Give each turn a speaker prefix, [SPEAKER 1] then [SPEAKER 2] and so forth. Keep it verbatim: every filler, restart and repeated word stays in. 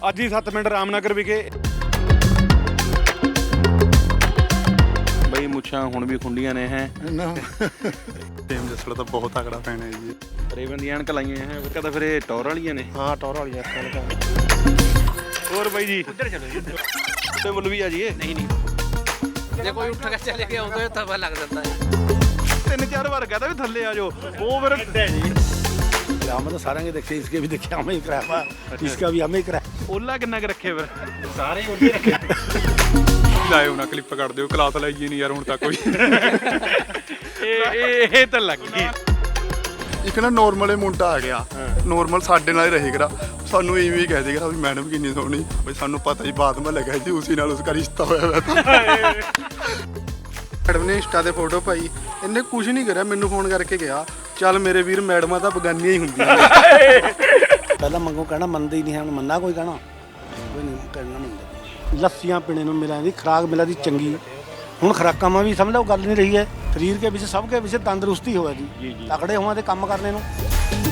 [SPEAKER 1] ਅੱਜ ਹੀ ਸੱਤ ਮਿੰਟ ਰਾਮਨਗਰ ਵਿਖੇ ਬਈ ਮੁੱਛਾਂ ਹੁਣ ਵੀ ਖੁੰਡੀਆਂ ਨੇ ਹੈ
[SPEAKER 2] ਟੀਮ ਜਸੜ ਤਾਂ ਬਹੁਤ ਤਕੜਾ ਫੈਨ ਹੈ ਜੀ।
[SPEAKER 1] ਰੇਵਨ ਦੀਆਂ ਐਨਕ ਲਾਈਆਂ ਹੈ ਕਦਾ ਫਿਰ ਇਹ ਟੌਰ ਵਾਲੀਆਂ ਨੇ।
[SPEAKER 2] ਹਾਂ ਟੌਰ ਵਾਲੀਆਂ ਅੱਖਾਂ।
[SPEAKER 1] ਹੋਰ ਬਾਈ ਜੀ
[SPEAKER 3] ਉੱਧਰ ਚਲੋ ਜੀ
[SPEAKER 1] ਤੇ ਮੁੱਲ ਵੀ ਆ ਜੀ ਇਹ
[SPEAKER 3] ਨਹੀਂ ਨਹੀਂ ਜੇ ਕੋਈ ਉੱਠ ਕੇ ਚਲੇ ਗਿਆ ਉਦੋਂ ਤਾਂ ਪਤਾ ਲੱਗ ਜਾਂਦਾ ਹੈ।
[SPEAKER 1] ਤਿੰਨ ਚਾਰ ਵਾਰ ਕਹਦਾ ਵੀ ਥੱਲੇ ਆ ਜਾਓ ਉਹ ਫਿਰ
[SPEAKER 4] हम तो सारे देखे, इसके भी देखे, हमें ही कराया, इसका भी हमें ही कराया।
[SPEAKER 1] ਓਲਾ ਕਿੰਨਾ ਕੁ ਰੱਖੇ ਫਿਰ
[SPEAKER 3] ਸਾਰੇ ਉੱਧੇ ਰੱਖੇ
[SPEAKER 2] ਲਾਇਓ ਨਾ ਕਲਿੱਪ ਕੱਢ ਦਿਓ, ਕਲਾਸ ਲਾਈਏ ਨਹੀਂ ਯਾਰ ਹੁਣ ਤੱਕ ਕੋਈ।
[SPEAKER 1] ਇਹ ਇਹ ਇਹ ਤਾਂ ਲੱਗ ਗਈ।
[SPEAKER 2] ਇੱਕ ਨਾ ਨੋਰਮਲ ਮੁੰਡਾ ਆ ਗਿਆ, ਨੋਰਮਲ ਸਾਡੇ ਨਾਲ ਹੀ ਰਹੇਗਾ, ਸਾਨੂੰ ਇਵੇਂ ਹੀ ਕਹਿ ਦੇਗਾ ਵੀ ਮੈਡਮ ਕਿੰਨੀ ਸੋਹਣੀ, ਬਈ ਸਾਨੂੰ ਪਤਾ ਹੀ ਬਾਤ ਮੈਂ ਲੱਗਾ ਜੀ ਉਸੇ ਨਾਲ ਉਸਕਾ ਰਿਸ਼ਤਾ ਹੋਇਆ ਹੋਇਆ ਤਾਂ। ਮੈਡਮ ਨੇ ਇੰਸਟਾ ਤੇ ਫੋਟੋ ਪਾਈ, ਇਹਨੇ ਕੁਝ ਨਹੀਂ ਕਰਿਆ, ਮੈਨੂੰ ਫੋਨ ਕਰਕੇ ਗਿਆ ਚੱਲ ਮੇਰੇ ਵੀਰ ਮੈਡਮਾਂ ਤਾਂ ਬਗਾਨੀਆਂ ਹੀ ਹੁੰਦੀਆਂ ਨੇ।
[SPEAKER 4] पहला मंगो कहना मनते ही नहीं है, मन्ना कोई कहना कोई नहीं कहना मनता। लस्सियां पीने ਨੂੰ ਮਿਲਾਂ ਦੀ ਖੁਰਾਕ ਮਿਲਾ ਦੀ ਚੰਗੀ। ਹੁਣ ਖੁਰਾਕਾਂ ਮਾ ਵੀ ਸਮਝ ਲਓ ਗੱਲ ਨਹੀਂ ਰਹੀ ਹੈ, ਸਰੀਰ ਕੇ ਵਿੱਚ ਸਭ ਕੇ ਵਿੱਚ ਤੰਦਰੁਸਤੀ ਹੋਵੇ ਜੀ, ਤਕੜੇ ਹੋਵਾਂ ਤੇ ਕੰਮ ਕਰਨੇ ਨੂੰ।